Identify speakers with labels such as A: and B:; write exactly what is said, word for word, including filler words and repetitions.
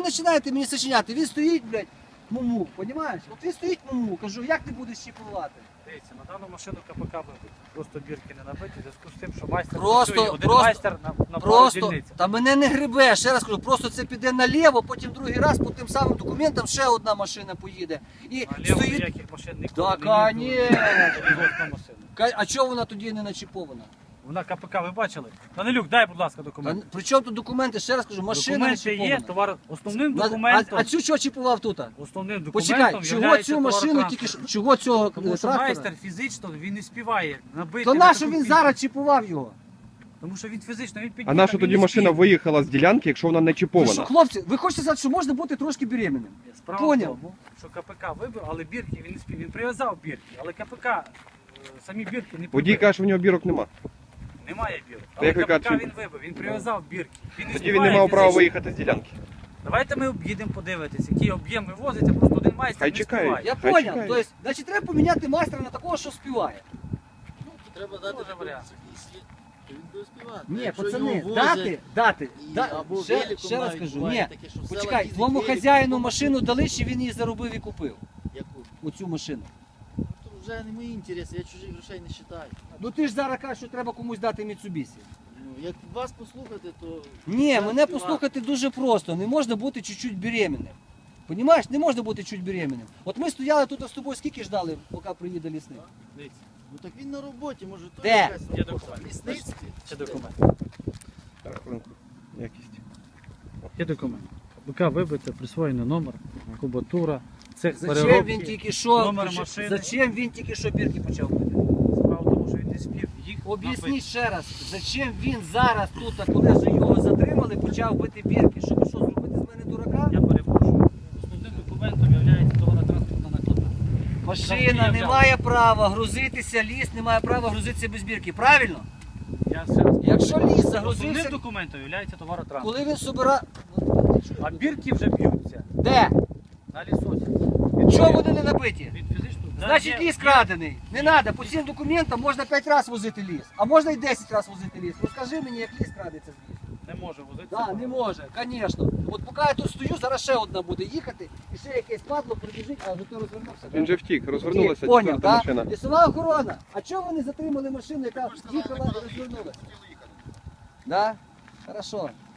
A: ви починаєте мені сочиняти? Він стоїть, блядь, муму, понімаєш? От він стоїть муму, кажу, як ти будеш щіпувати?
B: Дивіться, на дану машину КПК вибити. Просто бірки не набиті, в зв'язку з тим, що майстер
A: Просто-
B: працює, один
A: просто-
B: майстер на, на пару
A: Просто,
B: дільниць.
A: та мене не грибе, ще раз кажу, просто це піде наліво, потім другий раз по тим самим документам ще одна машина поїде. І
B: А ліво
A: стоїть...
B: ніяких машин ніколи
A: Да,
B: не їздило.
A: конечно.
B: Жодна машина.
A: Ка- А чого вона тоді не начіпована?
B: Вона КПК, ви бачили? Данилюк, дай, будь ласка,
A: А,
B: документи.
A: при чому тут документи? Ще раз кажу, машина
B: Документи
A: начіпована.
B: є, товар основним
A: На-
B: документом.
A: А, а цю чого чіпував тут?
B: Основним документом
A: Почекай, чого
B: являється
A: цю машину тільки
B: товаротранспорт.
A: що- чого цього
B: Тому
A: е,
B: що
A: трактора?
B: майстер фізично він не співає набити.
A: То
B: на
A: нащо
B: таку
A: він
B: кількість.
A: зараз чіпував його?
B: Тому що він фізично, він
C: А
B: під'їхав,
C: наша
B: він
C: тоді
B: не
C: машина
B: спів.
C: виїхала з ділянки, якщо вона не
A: Ви що,
C: чіпована?
A: хлопці, ви хочете сказати, що можна бути трошки беременним?
B: Справа
A: Поняв.
B: в тому, що КПК вибив, але бірки він не спів. Він прив'язав бірки, але КПК е, самі бірки не
C: Водій
B: прибив.
C: каже, що в нього бірок нема.
B: Немає бірок.
C: Та
B: Але
C: як ви
B: КПК
C: кажете,
B: він вибив, він прив'язав бірки. Він не
C: Тоді
B: співає
C: він не мав права
B: фізично.
C: виїхати з ділянки.
B: Давайте ми об'їдемо подивитися, який об'єм вивозиться, просто один майстер
C: Хай
B: не
C: чекають.
B: співає.
A: Я
C: Хай
A: поняв.
C: чекає.
A: Тобто, значить, треба поміняти майстра на такого, що співає.
D: Треба дати
B: Дуже варіант.
D: якийсь, то він буде співати.
A: Ні,
D: Якщо
A: пацани,
D: його возять,
A: дати, дати.
D: і-
A: да-
D: або
A: ще,
D: великом
A: ще раз
D: навіть
A: кажу,
D: буває
A: ні.
D: таке, що в селах
A: Почекай,
D: їздять
A: твоєму
D: великом,
A: хазяїну
D: або
A: машину дали, чи він її заробив і купив?
D: Яку?
A: Оцю машину.
D: Ну, то вже не мої інтереси, я чужих грошей не вважаю.
A: Ну ти ж зараз кажеш, що треба комусь дати Mitsubishi.
D: Ну, як вас послухати, то...
A: Ні,
D: це
A: мене
D: співати.
A: послухати дуже просто. Не можна бути чуть-чуть беременним. Понімаєш, не можна бути чуть беременним. От ми стояли тут з тобою, скільки ждали, поки приїде лісник?
B: Дивіться,
D: Ну так він на роботі, може то
A: Де?
D: якась
B: Є
D: робота.
B: документ.
D: В лісництві.
B: ще документ.
C: Так, хвилинку. Якість.
B: Є документ. КПК вибите, присвоєний номер, кубатура, цех
A: Зачем
B: переробки.
A: він тільки що
B: номер
A: поч-
B: машини.
A: Зачем він тільки що бірки почав бити?
B: Справа в тому, що він не спів їх набити.
A: Об'ясніть ще раз, зачем він зараз тут, а коли вже його затримали, почав бити бірки? Щоб що, зробити з мене дурака?
B: Я перепрошую. Основним документом є товаротранспортна накладна.
A: Машина не має права грузитися, ліс не має права грузитися без бірки. Правильно?
B: Я ще раз.
A: Якщо ліс
B: Основним
A: загрузився,
B: документом є товаротранспорт.
A: коли він собира...
B: А бірки вже б'ються
A: Де?
B: на лісоці.
A: Чого вони не набиті?
B: Від фізичного.
A: Значить, ліс крадений. Не треба. По цим документам можна п'ять разів возити ліс. А можна і десять разів возити ліс. Розкажи мені, як ліс крадеться з лісу.
B: Не може возити.
A: Так, да, не може, звісно. От поки я тут стою, зараз ще одна буде їхати, і ще якесь падло прибіжить, а вже то розвернувся.
C: Він же втік, розвернулася
A: Поняв,
C: четверта
A: так?
C: машина.
A: Лісова охорона. А чого вони затримали машину, яка їхала і розвернулася? Да? Хорошо.